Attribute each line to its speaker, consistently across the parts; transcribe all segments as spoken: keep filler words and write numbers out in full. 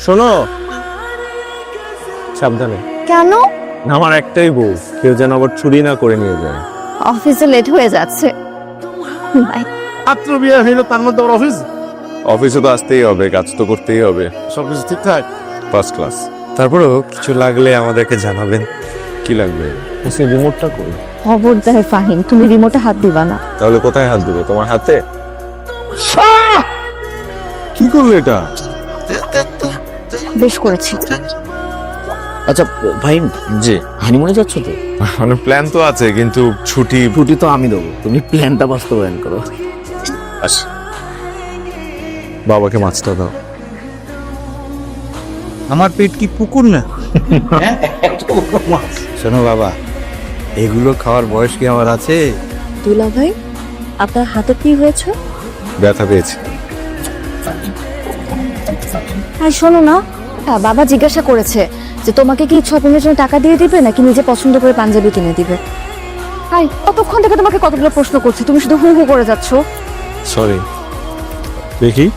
Speaker 1: শোনো, সাবধানে।
Speaker 2: কেন?
Speaker 1: আমার একটাই বউ, কেউ যেন আবার চুরি না করে নিয়ে যায়।
Speaker 2: অফিসে লেট হয়ে যাচ্ছে। বাই।
Speaker 3: মাত্র বিয়ে হইলো, তার মধ্যে ওর অফিস।
Speaker 1: অফিসে তো আসতেই হবে, কাজ তো করতেই হবে।
Speaker 3: সবকিছু ঠিকঠাক?
Speaker 1: First class.
Speaker 4: তারপরেও কিছু লাগলে আমাদেরকে জানাবেন।
Speaker 1: কি লাগবে? সে রিমোটটা কই?
Speaker 2: খবরদার ফাহিম, তুমি রিমোটে হাত দিবা না।
Speaker 1: তাহলে কোথায় হাত দেবো? তোমার হাতে? কি করলে এটা?
Speaker 2: বেশ করেছি।
Speaker 5: আচ্ছা ভাই,
Speaker 1: জি।
Speaker 5: হানিমুনে যাচ্ছ তো?
Speaker 1: মানে প্ল্যান তো আছে, কিন্তু ছুটি।
Speaker 5: ছুটি তো আমি দেবো, তুমি প্ল্যানটা বাস্তবায়ন করো।
Speaker 1: আস, বাবাকে মাছটা দাও।
Speaker 4: আমার পেট কি পুকুর না? শোনো বাবা, এগুলো খাওয়ার বয়স কি আমার আছে?
Speaker 2: দুলা ভাই, আপনার হাতে কি হয়েছে?
Speaker 1: ব্যথা পেয়েছি।
Speaker 2: হ্যাঁ শোনো না, হ্যাঁ বাবা জিজ্ঞাসা করেছে যে তোমাকে কি শপিংয়ের জন্য টাকা দিয়ে দিবে নাকি নিজে পছন্দ করে পাঞ্জাবি কিনে দিবে। হাই, কতক্ষণ থেকে তোমাকে কতগুলো প্রশ্ন করছি, তুমি শুধু হু হু করে যাচ্ছ।
Speaker 1: সরি। দেখি।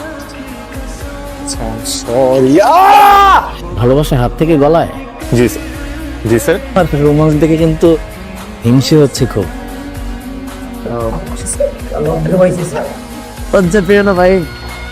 Speaker 5: ভালোবাসা হাত থেকে গলায়।
Speaker 1: জি স্যার। জি স্যার।
Speaker 5: আর রোমান্স দেখে কিন্তু হিংসে হচ্ছে খুব। লজ্জা পেও না ভাই।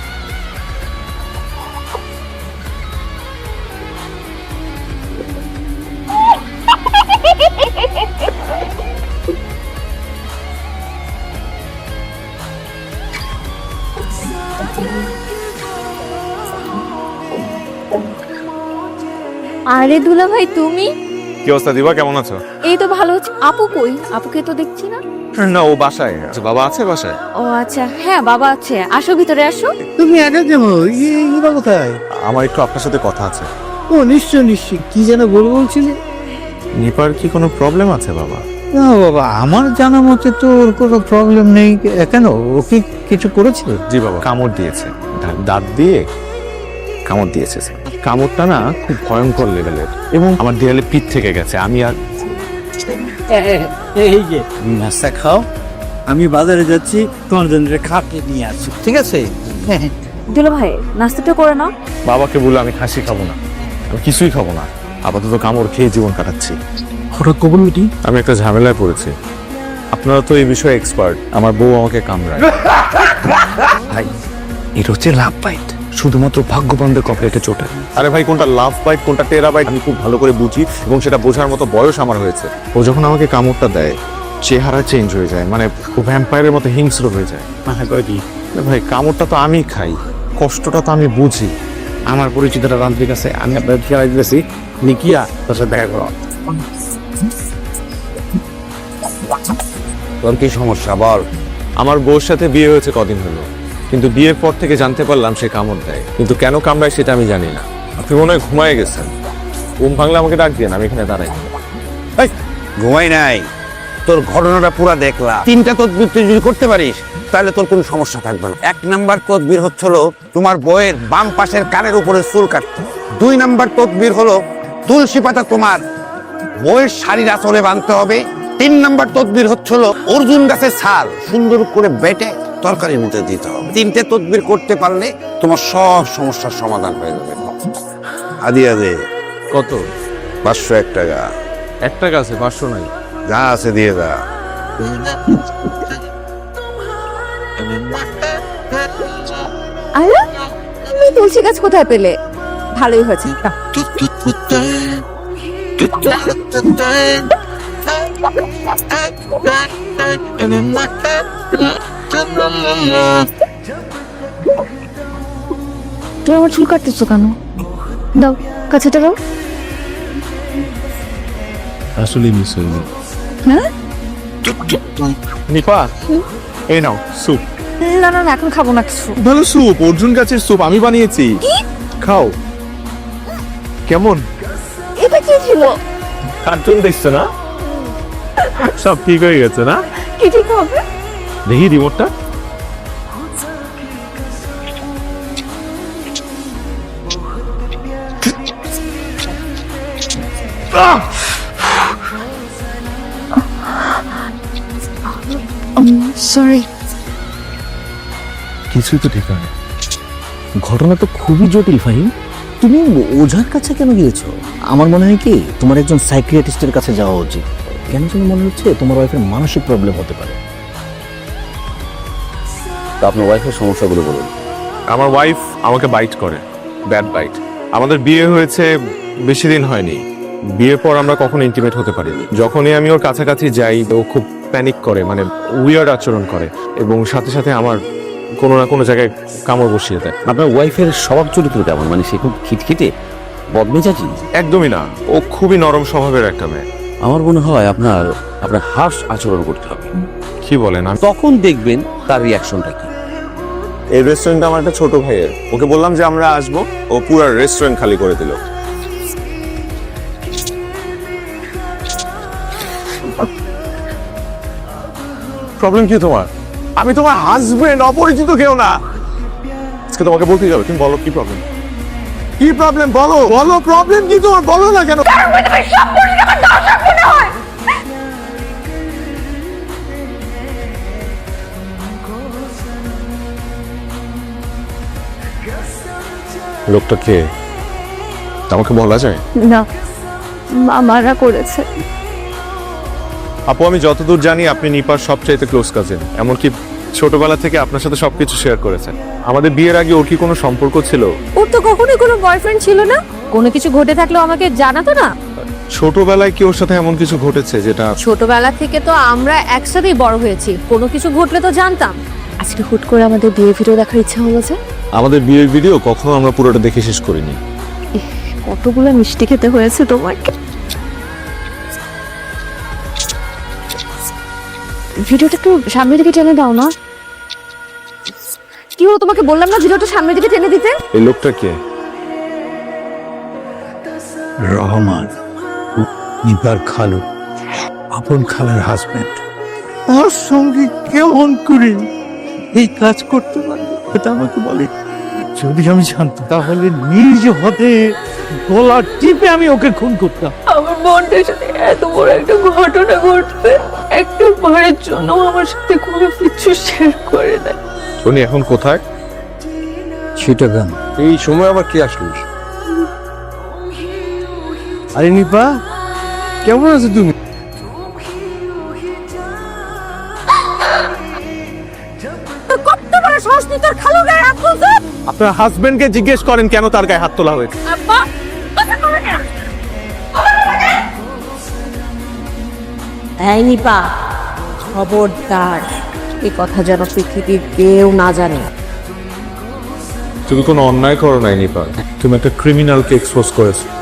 Speaker 2: আরে দুলা ভাই, তুমি?
Speaker 1: কি অবস্থা দিবা, কেমন আছো?
Speaker 2: এই তো ভালো আছি। আপু কই? আপুকে তো দেখছি না।
Speaker 1: না, ও বাসায় আছে। বাবা আছে বাসায়?
Speaker 2: ও আচ্ছা, হ্যাঁ বাবা আছে। আসো ভিতরে আসো।
Speaker 3: তুমি একা কেমন? এরা কোথায়?
Speaker 1: আমার একটু আপনার সাথে কথা আছে।
Speaker 3: ও নিশ্চয় নিশ্চয়, কি যেন বলবো বলছিলে?
Speaker 1: নিপার কি কোনো প্রবলেম আছে বাবা?
Speaker 3: না বাবা, আমার জানা মতে তো ওর কোনো প্রবলেম নেই। কেন, ও কি কিছু করেছিল?
Speaker 1: জি বাবা, কামড় দিয়েছে। দা- দাঁত দিয়ে কামড় দিয়েছে স্যার। কামড়টা না খুব ভয়ঙ্কর লেভেলের, এবং আমার দেয়ালে পিঠ থেকে গেছে। আমি আর
Speaker 4: এই যে নাস্তা খাও, আমি বাজারে যাচ্ছি, তোমার জন্য খাটে নিয়ে আসছি, ঠিক আছে?
Speaker 2: দুলা ভাই, নাস্তাটা করে নাও।
Speaker 1: বাবাকে বলে আমি খাসি খাবো না, আমি কিছুই খাবো না। আপাতত কামড় খেয়ে জীবন কাটাচ্ছি।
Speaker 3: হঠাৎ কবুল মিটিং?
Speaker 1: আমি একটা ঝামেলায় পড়েছি। আপনারা তো এই বিষয়ে এক্সপার্ট। আমার বউ আমাকে কামড়ায়।
Speaker 4: ভাই, এটা হচ্ছে লাভ বাইট, শুধুমাত্র ভাগ্যবানদের কপালে চোটে।
Speaker 1: আরে ভাই, কোনটা লাভ বাইট কোনটা টেরা বাইট আমি খুব ভালো করে বুঝি, এবং সেটা বোঝার মতো বয়স আমার হয়েছে। ও যখন আমাকে কামড়টা দেয়, চেহারা চেঞ্জ হয়ে যায়, মানে ও ভ্যাম্পায়ারের মতো হিংস্র হয়ে যায়।
Speaker 4: মানে কয় কি?
Speaker 1: আরে ভাই, কামড়টা তো আমি খাই, কষ্টটা তো আমি বুঝি।
Speaker 4: আমার পরিচিত একটা তান্ত্রিক আছে, আমি আপনার খেয়াল দিতেছি, নিকিয়া তার সাথে দেখা করো। তোর কি সমস্যা বল?
Speaker 1: আমার বউর সাথে বিয়ে হয়েছে কদিন হলো, কিন্তু বিয়ের পর থেকে জানতে পারলাম সে কামড় দেয়, কিন্তু কেন কামড়ায় সেটা আমি জানি না। আপনি মনে হয় ঘুমায় গেছেন। ঘুম ভাঙলে আমাকে ডাক দিয়ে, আমি এখানে দাঁড়াই।
Speaker 4: এই, ঘুমাই নাই, তোর ঘটনাটা পুরো দেখলাম। তিনটা তদবির তুই যদি করতে পারিস তাহলে তোর কোনো সমস্যা থাকবে না। এক নাম্বার তদবির হচ্ছিল তোমার বইয়ের বাম পাশের কানের উপরে চুল কাটতে। দুই নাম্বার তদবির হলো তুলসী পাতা তোমার বইয়ের শাড়ির আঁচলে বাঁধতে হবে। তিন নাম্বার তদবির হচ্ছিল অর্জুন গাছের ছাল সুন্দর করে বেটে তরকারির মধ্যে দিতে হবে। তিনটে তদবির করতে পারলে তোমার সব সমস্যার সমাধান হয়ে যাবে। আদিয়া দে।
Speaker 1: কত?
Speaker 4: পাঁচশো এক টাকা।
Speaker 1: এক টাকা আছে, পাঁচশো নাই।
Speaker 4: যা আছে দিয়ে দা।
Speaker 2: আরে তুমি তুলসী গাছ কোথায় পেলে? ভালোই হয়েছে। নাও। তুমি আমার চুল কাটতেছো কেন? দাও, কাছেটা দাও।
Speaker 1: আসলে মিস হয়ে গেল।
Speaker 2: হ্যাঁ?
Speaker 3: নিপা, এই নাও স্যুপ।
Speaker 2: না না না, এখন খাবো না কিছু।
Speaker 3: ভালো স্যুপ, অর্জুন গাছের স্যুপ আমি বানিয়েছি। খাও। কেমন?
Speaker 2: এটা কি ছিল?
Speaker 1: কার্টুন দেখছো না? সব ঠিক হয়ে গেছে না?
Speaker 2: কি ঠিক হবে?
Speaker 1: দেখি রিমোটটা।
Speaker 2: সরি।
Speaker 5: কিছুই তো ঠিক হয়। ঘটনা তো খুবই জটিল ফাহিম। তুমি ওঝার কাছে কেন গিয়েছো? আমার মনে হয় কি তোমার একজন সাইকিয়াট্রিস্টের কাছে যাওয়া উচিত। কেন যেন মনে হচ্ছে তোমার ওয়াইফের মানসিক প্রবলেম হতে পারে।
Speaker 4: তো আপনার ওয়াইফের সমস্যাগুলো বলুন।
Speaker 1: আমার ওয়াইফ আমাকে বাইট করে, ব্যাড বাইট। আমাদের বিয়ে হয়েছে বেশি দিন হয়নি, বিয়ের পর আমরা কখনো ইন্টিমেট হতে পারিনি। যখনই আমি ওর কাছাকাছি যাই ও খুব প্যানিক করে, মানে উইয়ার্ড আচরণ করে, এবং সাথে সাথে আমার কোনো না কোনো জায়গায় কামড় বসিয়ে দেয়।
Speaker 4: আপনার ওয়াইফের স্বভাব চরিত্র কেমন? মানে সে খুব খিটখিটে, বদমেজাজি?
Speaker 1: একদমই না, ও খুবই নরম স্বভাবের একটা মেয়ে।
Speaker 4: আমার মনে হয় আপনার আপনার হার্শ আচরণ করতে হবে,
Speaker 1: কি বলেন? আমি
Speaker 4: তখন দেখবেন তার রিয়াকশনটা কি।
Speaker 1: এই রেস্টুরেন্ট আমার একটা ছোট ভাইয়ের, ওকে বললাম যে আমরা আসবো, ও পুরো রেস্টুরেন্ট খালি করে দিল। প্রবলেম কি তোমার? আমি তোমার হাজবেন্ড, অপরিচিত কেউ না। আজকে তোমাকে বলতেই যাবে, তুমি বলো কি প্রবলেম? কি প্রবলেম বলো, বলো প্রবলেম কি তোমার, বলো না কেন? লোকটা কে আমাকে বলা যায়?
Speaker 2: না, মামারা করেছে।
Speaker 1: আপু, আমি যতদূর জানি আপনি নিপার সবচাইতে ক্লোজ কাজিন, এমনকি ছোটবেলা থেকে আপনার সাথে সবকিছু শেয়ার করেছেন। আমাদের বিয়ের আগে ওর কি কোনো সম্পর্ক ছিল?
Speaker 6: ওর তো কখনোই কোনো বয়ফ্রেন্ড ছিল না। কোনো কিছু ঘটে থাকলেও আমাকে জানাতো না।
Speaker 1: ছোটবেলায় কি ওর সাথে এমন কিছু ঘটেছে যেটা?
Speaker 6: ছোটবেলা থেকে তো আমরা একসাথেই বড় হয়েছি, কোনো কিছু ঘটলে তো জানতাম।
Speaker 2: আজকে হুট করে আমাদের বিয়ে ভিডিও দেখার ইচ্ছা হলো যে।
Speaker 1: আমাদের বিয়ের ভিডিও কখনো আমরা পুরোটা দেখে শেষ করিনি।
Speaker 2: কতগুলো মিষ্টি খেতে হয়েছে তোমাকে। ভিডিওটা একটু সামনের দিকে টেনে দাও না। কি হলো, তোমাকে বললাম না ভিডিওটা সামনের দিকে টেনে দিতে?
Speaker 1: এই লোকটা কে?
Speaker 3: রহমান, নিপার খালু, আপন খালার হাজবেন্ড। ওর সঙ্গে কেমন করে এই কাজ করতে পারি এটা আমাকে বলে। যদি আমি জানতাম তাহলে নিজ হাতে গলা টিপে আমি ওকে খুন করতাম।
Speaker 6: আমার বোনটার সাথে এত বড় একটা ঘটনা ঘটবে, একটা বারের জন্য আমার সাথে কোনো কিছু শেয়ার করে দেয়।
Speaker 1: উনি এখন কোথায়?
Speaker 3: চিটাগাং।
Speaker 1: এই সময় আবার কি আসলো?
Speaker 3: আরে নিপা, কেমন আছো তুমি?
Speaker 6: কত বড় সাহস তুই তোর খালু গায়ে হাত তুলছিস?
Speaker 1: আপনার হাজবেন্ডকে জিজ্ঞেস করেন কেন তার গায়ে হাত তোলা হয়েছে।
Speaker 6: আব্বা, এই নিপা, খবরদার এই কথা যেন পৃথিবীর কেউ না জানে।
Speaker 1: তুমি কোনো অন্যায় করো নাই নিপা, তুমি একটা ক্রিমিনালকে এক্সপোজ করেছো।